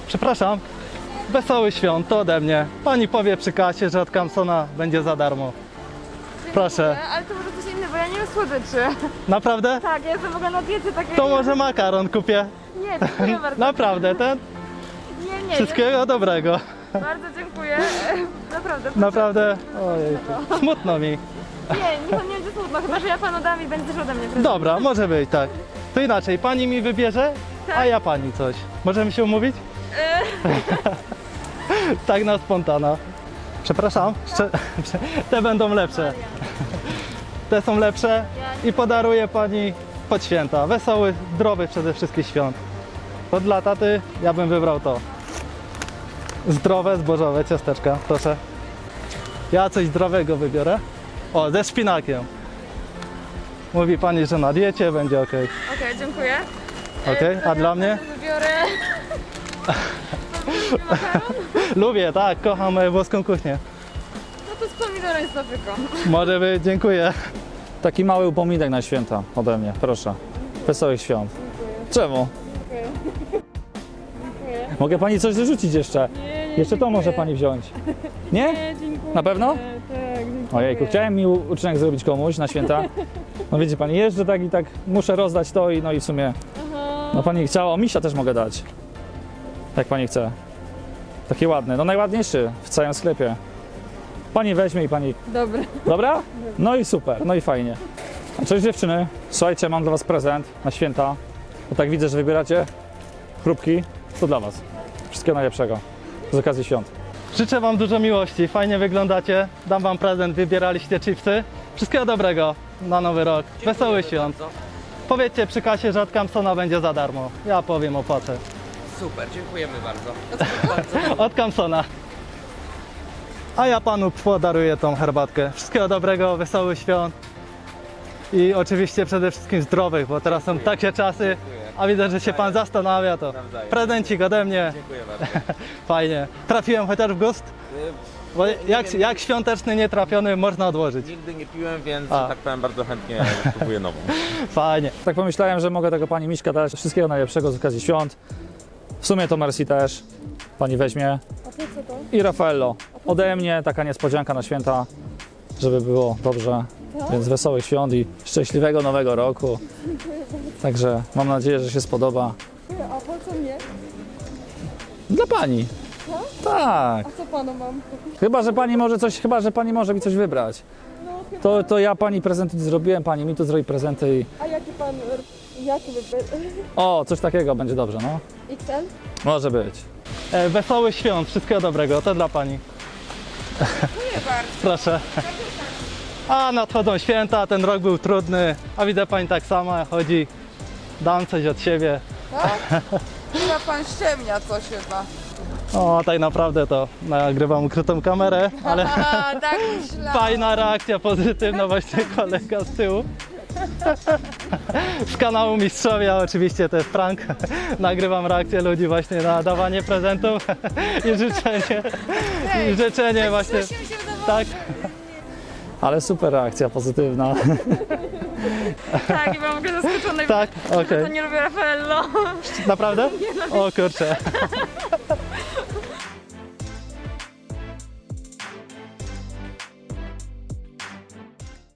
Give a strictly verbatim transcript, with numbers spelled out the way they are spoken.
Przepraszam, wesołych świąt, to ode mnie. Pani powie przy kasie, że od Kamsona będzie za darmo. Proszę. Ale to może coś innego, bo ja nie wiem słodyczy. Naprawdę? Tak, ja jestem w ogóle na diecie takiej. To może makaron kupię. Nie, dziękuję bardzo. Naprawdę, ten? Nie, nie, Wszystkiego dobrego. nie. Bardzo dziękuję. Naprawdę. Naprawdę, ojej, smutno mi. Nie, niech on nie będzie smutno, chyba że ja panu dam i będzie też ode mnie prezent. Dobra, może być, tak. To inaczej, pani mi wybierze, a Tak. ja pani coś. Możemy się umówić? Tak na spontana. Przepraszam, Szcze- te będą lepsze. Te są lepsze i podaruję pani pod święta. Wesołych, zdrowych przede wszystkim świąt. To dla taty ja bym wybrał to. Zdrowe, zbożowe ciasteczka, proszę. Ja coś zdrowego wybiorę. O, ze szpinakiem. Mówi pani, że na diecie będzie ok. Okej, dziękuję. Okej, a dla mnie? Wybiorę... makaron? Lubię, tak, kocham e, włoską kuchnię. No to z pomidorem i z papryką. Może być, dziękuję. Taki mały upominek na święta ode mnie, proszę. Wesołych świąt. Czemu? Mogę pani coś dorzucić jeszcze? Nie, nie, Jeszcze to może pani wziąć. Nie? Nie, dziękuję. Na pewno? Tak, dziękuję. Ojejku, chciałem mi u- uczynek zrobić komuś na święta. No wiecie pani, jeżdżę tak i tak, muszę rozdać to i no i w sumie, Aha. no pani chciała, o misia też mogę dać. Jak pani chce. Taki ładny, no najładniejszy w całym sklepie. Pani weźmie i pani, Dobra. dobra? No i super, no i fajnie. A cześć dziewczyny, słuchajcie, mam dla was prezent na święta. Bo tak widzę, że wybieracie chrupki, to dla was. Wszystkiego najlepszego z okazji świąt. Życzę wam dużo miłości, fajnie wyglądacie. Dam wam prezent, wybieraliście chipsy. Wszystkiego dobrego na nowy rok. Wesołych świąt. Powiedzcie przy kasie, że od Kamsona będzie za darmo. Ja powiem, opłacę. Super, dziękujemy bardzo. Od Kamsona. A ja panu podaruję tą herbatkę. Wszystkiego dobrego, wesołych świąt. I oczywiście przede wszystkim zdrowych, bo teraz są takie czasy, a widzę, że się pan zastanawia, to prezencik ode mnie. Dziękuję bardzo. Fajnie. Trafiłem chociaż w gust? Bo jak, jak świąteczny nietrafiony można odłożyć. Nigdy nie piłem, więc A. że tak powiem bardzo chętnie kupuję nową. Fajnie. Tak pomyślałem, że mogę tego pani Miśka dać. Wszystkiego najlepszego z okazji świąt. W sumie to Mercy też. Pani weźmie. A to co to? I Raffaello. Ode mnie taka niespodzianka na święta, żeby było dobrze. Więc wesołych świąt i szczęśliwego nowego roku. Także mam nadzieję, że się spodoba. A po co mnie? Dla pani. Tak. A co panu mam? Chyba, że pani może coś, chyba, że pani może mi coś wybrać. No chyba. To, to ja pani prezenty zrobiłem, pani mi tu zrobi prezenty i... A jaki pan... Jaki by... O, coś takiego będzie dobrze, no. X L? Może być. E, wesołych świąt, wszystkiego dobrego, to dla pani. Dziękuję bardzo. Proszę. A nadchodzą święta, ten rok był trudny, a widzę pani tak sama chodzi. Dam coś od siebie. Tak? Chyba pan ściemnia coś chyba. O, tak naprawdę to nagrywam ukrytą kamerę, ale A, tak myślałam. fajna reakcja pozytywna, właśnie kolega z tyłu. Z kanału Mistrzowie, a oczywiście to jest prank. Nagrywam reakcję ludzi właśnie na dawanie prezentów i życzenie, i życzenie właśnie, tak. Ale super reakcja pozytywna. Tak, i byłam w ogóle zaskoczona. Tak, okej. To nie lubię Raffaello. Naprawdę? O kurczę.